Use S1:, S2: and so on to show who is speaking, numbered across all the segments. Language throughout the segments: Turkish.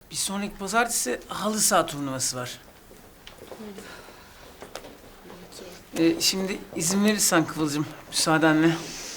S1: Bir sonraki pazartesi halı saha turnuvası var. Şimdi izin verirsen Kıvılcım, müsaadenle.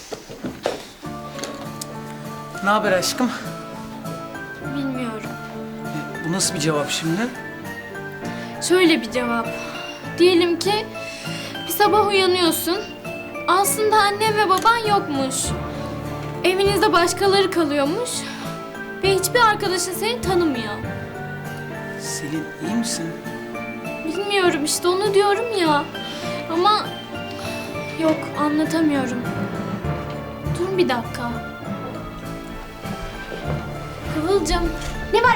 S1: Ne haber aşkım?
S2: Bilmiyorum.
S1: Bu nasıl bir cevap şimdi?
S2: Şöyle bir cevap. Diyelim ki bir sabah uyanıyorsun. Aslında annen ve baban yokmuş. Evinizde başkaları kalıyormuş. Ve hiçbir arkadaşın seni tanımıyor.
S1: Selin, iyi misin?
S2: Bilmiyorum işte, onu diyorum ya. Ama yok, anlatamıyorum. Dur bir dakika. Kıvılcım.
S3: Ne var?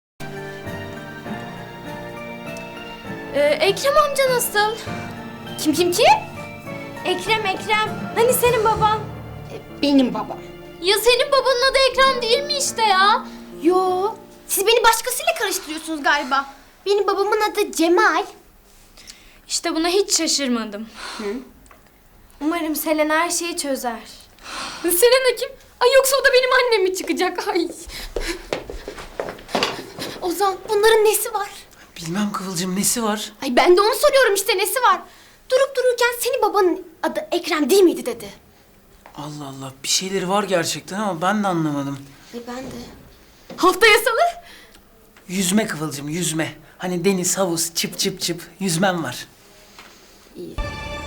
S2: Ekrem amca nasıl?
S3: Kim? Ekrem. Hani senin baban? Benim babam.
S2: Ya senin babanın adı Ekrem değil mi işte ya?
S3: Yo. Siz beni başkasıyla karıştırıyorsunuz galiba. Benim babamın adı Cemal.
S2: İşte buna hiç şaşırmadım. Umarım Selena her şeyi çözer. Selena kim? Ay yoksa o da benim annem mi çıkacak? Ay.
S3: Ozan, bunların nesi var?
S1: Bilmem Kıvılcım, nesi var?
S3: Ay ben de onu soruyorum işte, nesi var? Durup dururken senin babanın adı Ekrem değil miydi dedi.
S1: Allah Allah, bir şeyleri var gerçekten ama ben de anlamadım.
S3: Ay ben de.
S2: Haftaya salı.
S1: Yüzme Kıvılcım, yüzme. Hani deniz, havuz, çıp çıp çıp, yüzmem var.
S3: İyi.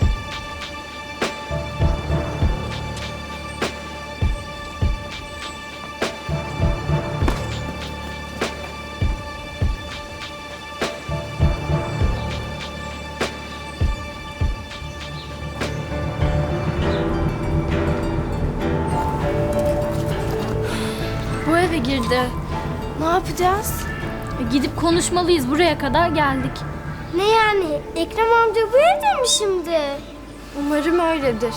S2: Bu eve girdi.
S3: Ne yapacağız?
S2: Gidip konuşmalıyız, buraya kadar geldik.
S3: Ne yani? Ekrem amca bu evde mi şimdi?
S2: Umarım öyledir.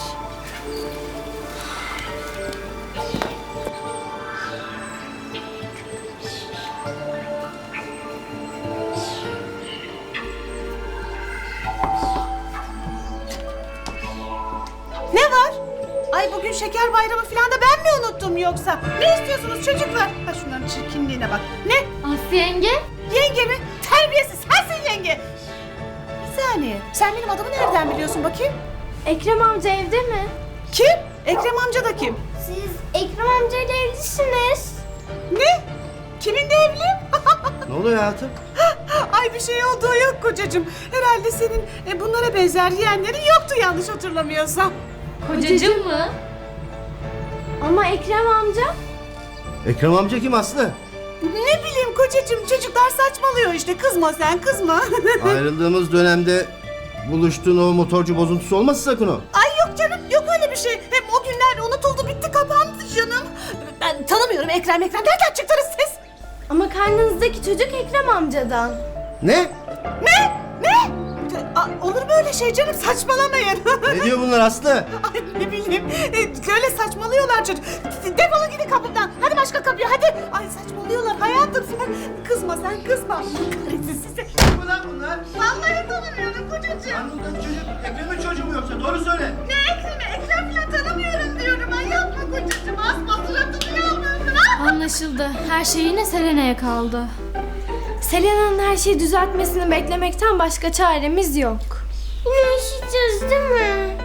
S4: Ne var? Ay bugün şeker bayramı falan da ben mi unuttum yoksa? Ne istiyorsunuz çocuklar? Ha şunların çirkinliğine bak. Ne?
S2: Aslı yenge.
S4: Yenge mi? Terbiyesiz sensin yenge. Bir saniye. Sen benim adımı nereden biliyorsun bakayım?
S2: Ekrem amca evde mi?
S4: Kim? Ekrem amca da kim?
S3: Siz Ekrem amcayla evlisiniz.
S4: Ne? Kiminle evli?
S5: Ne oluyor hayatım?
S4: Ay bir şey olduğu yok kocacığım. Herhalde senin bunlara benzer yeğenlerin yoktu yanlış hatırlamıyorsam.
S2: Kocacığım mı?
S3: Ama Ekrem amca?
S5: Ekrem amca kim Aslı?
S4: Ne bileyim kocacığım, çocuklar saçmalıyor işte. Kızma sen, kızma.
S5: Ayrıldığımız dönemde buluştuğun o motorcu bozuntusu olmasın sakın o.
S4: Ay yok canım, yok öyle bir şey. Hem o günler unutuldu, bitti, kapandı canım. Ben tanımıyorum Ekrem. Nereden çıktınız siz?
S3: Ama karnınızdaki çocuk Ekrem amcadan.
S5: Ne?
S4: Ne? Olur mu öyle şey canım, saçmalamayın.
S5: Ne diyor bunlar Aslı?
S4: Ay ne bileyim, öyle saçmalıyorlar çocuk. Defolun gidin kapımdan. Hadi başka kapıya hadi. Ay saçmalıyorlar hayatım sen. Kızma sen, kızma. Kahretsin sizi.
S5: Kim lan bunlar?
S4: Vallahi tanımıyorum kocacığım.
S5: Karnındaki çocuk Ekrem'in çocuğu mu yoksa? Doğru söyle.
S4: Ne Ekrem'i? Ekrem falan tanımıyorum diyorum. Ay yapma kocacığım. Asma suratını yalmıyorsun ha.
S2: Anlaşıldı. Her şey yine Selena'ya kaldı. Selena'nın her şeyi düzeltmesini beklemekten başka çaremiz yok.
S3: Yine yaşayacağız değil mi?